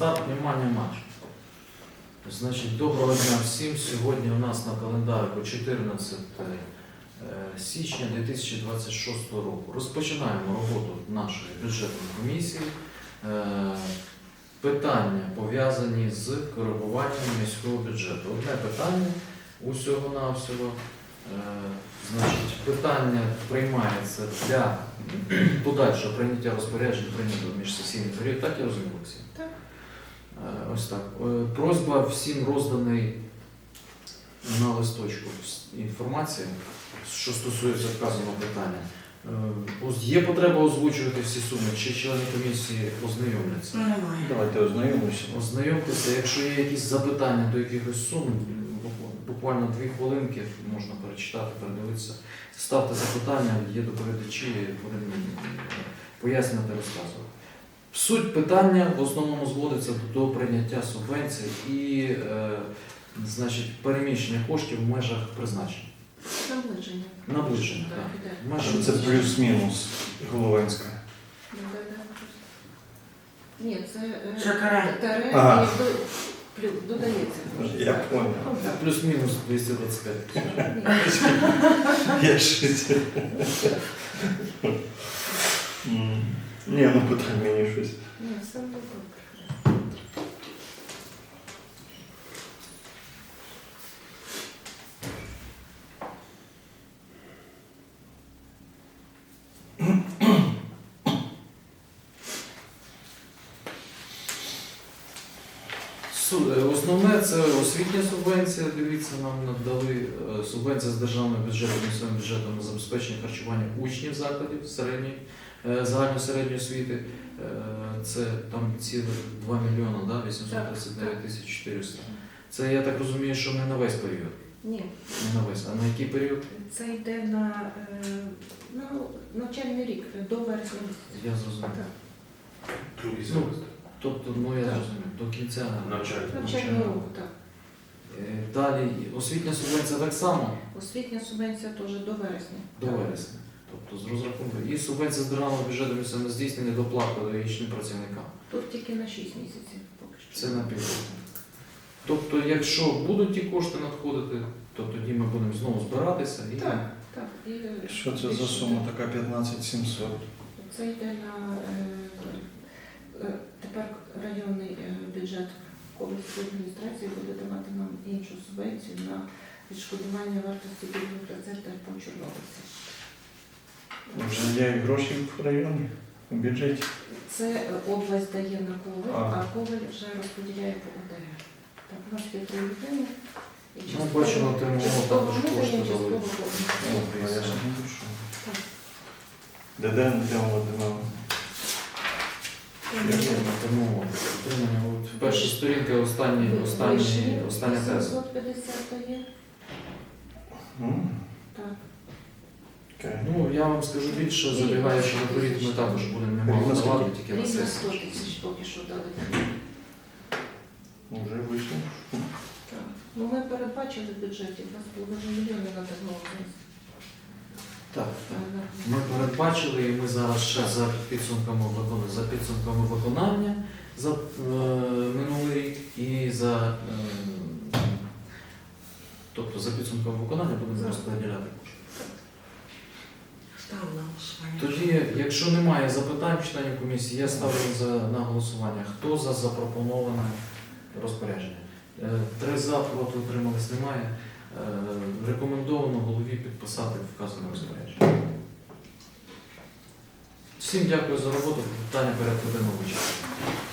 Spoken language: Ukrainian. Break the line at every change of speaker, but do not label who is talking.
старт, внимание, матч. Значить, доброго дня всім. Сьогодні у нас на календарику 14 січня 2026 року. Розпочинаємо роботу нашої бюджетної комісії. Питання пов'язані з коригуванням міського бюджету. Одне питання усього-навсього. Значить, питання приймається для подальшого прийняття розпоряджень прийнятого в міжсесійний період. Так я розумію, Олексій?
Так.
Ось так. Просьба всім розданий на листочку інформація, що стосується вказаного питання. Є потреба озвучувати всі суми, чи члени комісії ознайомляться?
Немає.
Давайте ознайомимося.
Ознайомтеся, якщо є якісь запитання до якихось сум, буквально 2 хвилинки можна перечитати, передивитися. Ставте запитання, є доповідачі, будемо пояснювати, розказувати. Суть питання в основному зводиться до прийняття субвенцій і значить, переміщення коштів в межах призначення.
Наближення.
Наближення,
Так,
так.
іде.
В межах
Що це
призначення.
плюс-мінус Головинська?
Ні, це
Шакарай.
таре
Ага.
і додається.
Я понял.
Плюс-мінус 225.
Я щось. Ні, ну питань мені щось.
Ні, все добре.
Основне це освітня субвенція. Дивіться, нам надали субвенція з державного бюджету, місцевим бюджетом на забезпечення харчування учнів закладів загальної середньої освіти. Це там цілих 2 мільйони, да? 839 тисяч 400. Це, я так розумію, що не на весь період.
Ні,
Не на весь, а на який період?
це йде на навчальний рік, до вересня.
Я зрозумів.
Так.
Другий
Ну,
семестр.
Тобто, ну я
Так.
зрозумів, до кінця
Навчальний року, так.
Далі освітня субвенція так само
Освітня субвенція теж до вересня.
до вересня. Тобто з розрахунку. І субвенція з державного бюджету місцевого здійснення доплат педагогічним працівникам.
Тут тільки на 6 місяців поки що.
Це на півроку. Тобто, якщо будуть ті кошти надходити, то тоді ми будемо знову збиратися і
Так, так. І,
Що це за сума така 15 700?
Це йде на тепер районний бюджет Ковальської адміністрації буде давати нам іншу субвенцію на відшкодування вартості пільгових рецептів по Чорнобильці.
Вже є гроші в районі, у бюджеті.
Це область дає на Коваль,
Ага.
а Коваль вже розподіляє по ОТГ. Так, у нас є 3 людини. І
Ну, бачимо, отримуємо
частково
також
ми даємо,
кошти
частково
дали.
Коваль.
Я ж не душу.
Так.
Де отримав?
Тому отримання. От перша сторінка, остання теза.
750 дає. Так.
Окей.
Ну, я вам скажу більше, забігаючи наперед, ми також будемо немало давати тільки на
Рівно 100
сесії.
тисяч поки що дали.
Вже вийшло.
Так. Ну, ми передбачили в бюджеті 2,5 мільйони на технології.
Так, так. Ми передбачили, і ми зараз ще за підсумками виконання за минулий рік і тобто за підсумками виконання будемо розподіляти кошти.
Ставлю на голосування.
Тоді, якщо немає запитань членів комісії, я ставлю на голосування. Хто за запропоноване розпорядження? 3 за, проти, утримались, немає. Рекомендовано голові підписати вказане розпорядження. Всім дякую за роботу. Питання порядку денного вичерпано.